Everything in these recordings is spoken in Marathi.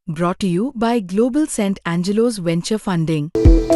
Brought to you by Global St. Angelo's Venture Funding.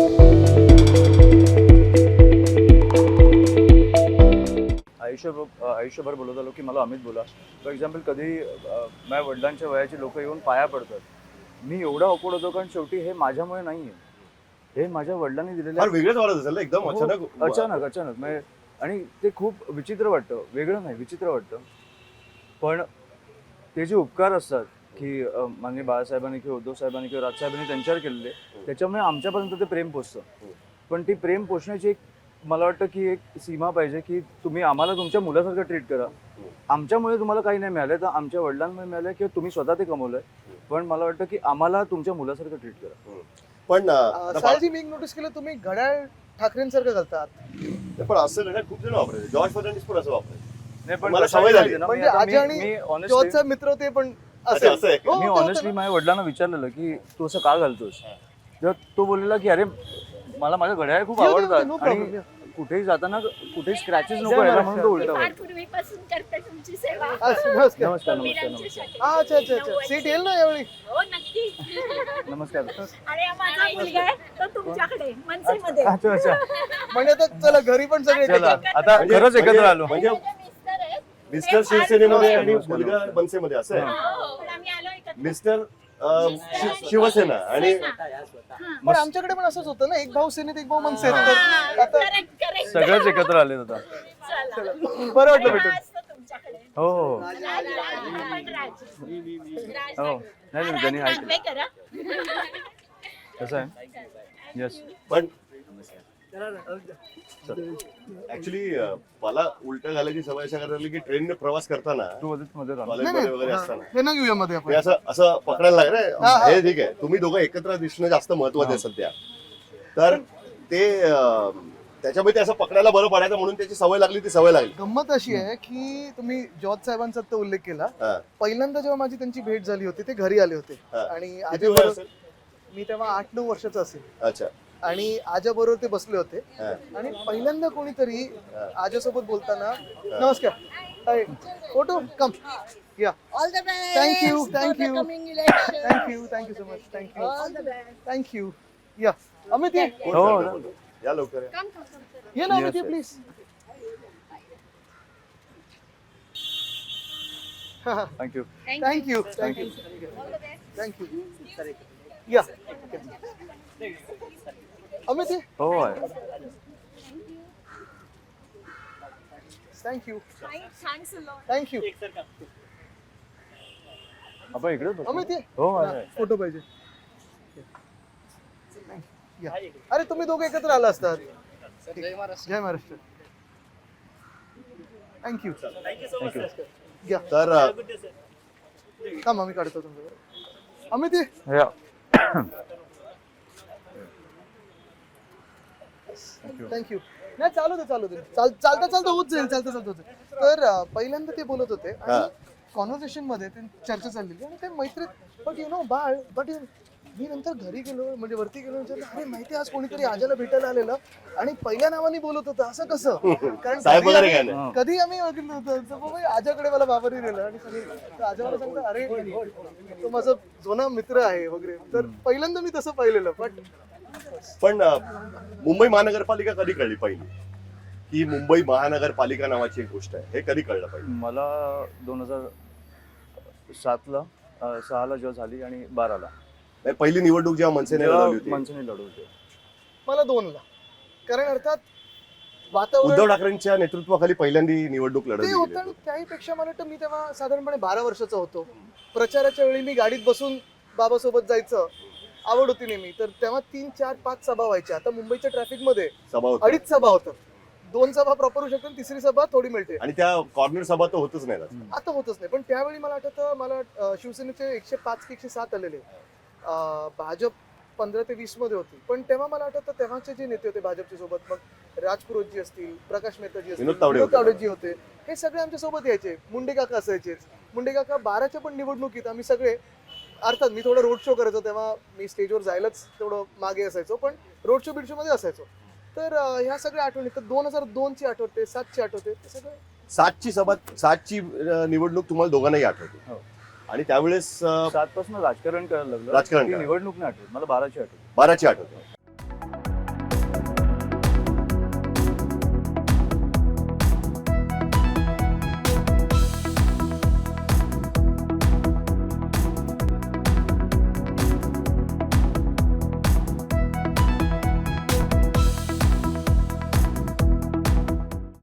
आयुष्यभर बोलत आलो की मला अमित बोला. फॉर एक्झाम्पल कधी माझ्या वडिलांच्या वयाची लोक येऊन पाया पडतात. मी एवढा ऑकवर्ड होतो कारण शेवटी हे माझ्यामुळे नाही आहे, हे माझ्या वडिलांनी दिलेलं फार वेगळंच वाटत असेल ना एकदम अचानक म्हणजे. आणि ते खूप विचित्र वाटतं, वेगळं नाही विचित्र वाटतं. पण ते जे उपकार असतात की माननीय बाळासाहेबांनी किंवा उद्धव साहेबांनी किंवा राजसाहेबांनी त्यांच्यावर केलेले, त्याच्यामुळे आमच्यापर्यंत ते प्रेम पोचतं. पण ती प्रेम पोचण्याची एक मला वाटतं की एक सीमा पाहिजे की तुम्ही आम्हाला तुमच्या मुलासारखं ट्रीट करा. आमच्यामुळे तुम्हाला काही नाही मिळालं तर आमच्या वडिलांमुळे मिळालं किंवा तुम्ही स्वतः ते कमवलंय, पण मला वाटतं की आम्हाला तुमच्या मुलासारखं ट्रीट करा. पण सायलजी मी एक नोटीस केलं, तुम्ही घड्याळ ठाकरेंसारखं घालतात. पण असं घड्याळ खूप जण वापरायचे. जॉर्ज फर्नांडिस पण असं वापरायचे. नाही पण मला सवय झाली. म्हणजे आजी आणि जॉर्जचा मित्र होते पण असं आहे. मी ऑनेस्टली माझ्या वडिलांना विचारलेलं की तू असं का घालतोस, तेव्हा तो बोललेला की अरे मला माझ्या घड्याळ खूप आवडतात आणि कुठेही जाताना कुठेही स्क्रॅचेस नको यायला म्हणून तो उलटा फार पूर्वीपासून करते तुमची सेवा. नमस्कार. नमस्कार. अच्छा सीट येईल ना यावेळी. हो नक्की. नमस्कार. अरे हा माझा मुलगा आहे तो तुमच्याकडे मनसेमध्ये. अच्छा म्हणजे आता चला घरी पण सगळे चला एकत्र. आता खरंच एकत्र आलो. म्हणजे मिस्टर आहेत. मिस्टर शिवसेनेमध्ये आणि मुलगा मनसेमध्ये असं आहे. हो, पण आम्ही आलो एकत्र. मिस्टर शिवसेना आणि पण आमच्याकडे पण असंच होतं ना, एक भाऊ सेनेत एक भाऊ मनसेत. तर आता करेक्ट. सगळेच एकत्र आले आता. चला. बरं वाटलं भेटून. आज तर तुमच्याकडे. हो राज. हो नाही त्यांनी हाय नागवे करा. कसं आहे. येस पण ऍक्च्युली मला उलट घालायची सवय अशा करायला की ट्रेनने प्रवास करताना तू मध्ये राहा. कॉलेजमध्ये वगैरे असताना हे ना घेऊया मध्ये आपण. ते असं पकडायला लागलं हे ठीक आहे. तुम्ही दोघं एकत्र दिसणं जास्त महत्वाचं आहे सध्या. तर ते त्याच्यामुळे ते असं पकडायला बरं पडायचं म्हणून त्याची सवय लागली, ती सवय लागली. गंमत अशी आहे की तुम्ही जॉर्ज साहेबांचा तो उल्लेख केला. पहिल्यांदा जेव्हा माझी त्यांची भेट झाली होती ते घरी आले होते आणि किती वय असेल? मी तेव्हा 8-9 वर्षाचा असेल अच्छा. आणि आजाबरोबर ते बसले होते आणि पहिल्यांदा कोणीतरी आजासोबत बोलताना नमस्कार हाय फोटो कम या All the best. Thank you for the thank you coming election. Thank you so much All the best. Thank you या अमित ये हो या लवकर या. Come. ये ना अमित ये Yes, please thank you. Thank you thank you All the best. Thank you या अमित ये हो आहे. Thank you Thanks a lot. Thank you आपण इकडे बसू. अमित ये हो आहे. फोटो पाहिजे या. अरे तुम्ही दोघे एकत्र आला असतात. जय महाराष्ट्र थँक्यू थँक्यू. या तर थांबा मी काढतो तुमच्याकडे अमित ये या. थँक्यू नाही चालू दे चालता होत जाईल तर पहिल्यांदा ते बोलत होते आणि कॉन्व्हर्सेशन मध्ये ते चर्चा चाललेली आणि ते मैत्रीत बट बाळ बट मी नंतर घरी गेलो म्हणजे वरती गेलो अरे माहिती आज कोणीतरी आजाला भेटायला आलेलं आणि पहिल्या नावाने बोलत होतं असं कसं कारण साहेब वगैरे काय नाही. कधी आम्ही ओळखलं होतं तर बाबा आजाकडे मला बाबारी नेलं आणि सगळे आजा मला सांगतात अरे तो माझा जुना मित्र आहे वगैरे तर पहिल्यांदा मी तसं पाहिलेलं पण मुंबई महानगरपालिका कधी कळली पहिली ही मुंबई महानगरपालिका नावाची एक गोष्ट आहे, हे कधी कळलं पाहिजे? मला 2007ला 6ला जेव्हा झाली आणि 12ला पहिली निवडणूक जेव्हा मनसेने लढवली होती, मनसेने लढवली. मला 2ला कारण अर्थात उद्धव वातावरण ठाकरेंच्या नेतृत्वाखाली पहिल्यांदी निवडणूक ते लढवली होतं गेली. आणि त्याहीपेक्षा मला वाटतं मी तेव्हा साधारणपणे 12 वर्षाचा होतो. प्रचाराच्या वेळी मी गाडीत बसून बाबासोबत जायचं आवड होती नेहमी. तर तेव्हा 3-4-5 सभा व्हायच्या. आता मुंबईच्या ट्रॅफिक मध्ये सभा होती 2.5 सभा होतात. 2 सभा प्रॉपर होऊ शकतात, तिसरी सभा थोडी मिळते. आणि त्या कॉर्नर सभा तर होतच नाही ना. आता होतच नाही. पण त्यावेळी मला आठवतं मला शिवसेनेचे 105 की 107 आलेले. भाजप 15 ते 20 मध्ये होती. पण तेव्हा मला आठवतं तेव्हाचे जे नेते होते भाजपच्या सोबत, मग राजपुरोजी असतील, प्रकाश मेहताजी असतील, विनोद तावडेजी होते, हे सगळे आमच्या सोबत यायचे. मुंडे काका असायचेच. मुंडे काका 12च्या पण निवडणुकीत आम्ही सगळे अर्थात मी थोडं रोड शो करायचो तेव्हा मी स्टेजवर जायलाच तेवढं मागे असायचो पण रोड शो बिडशो मध्ये असायचो. तर ह्या सगळ्या आठवणी तर 2002 ची आठवते, 7 ची आठवते, ते सगळं 7ची सभा 7ची निवडणूक तुम्हाला दोघांनाही आठवते. हो. आणि त्यावेळेस 7 पासून राजकारण करायला लागलं. राजकारण ती करायला. निवडणूक नाही आठवत मला, 12ची आठवत. 12ची आठवते.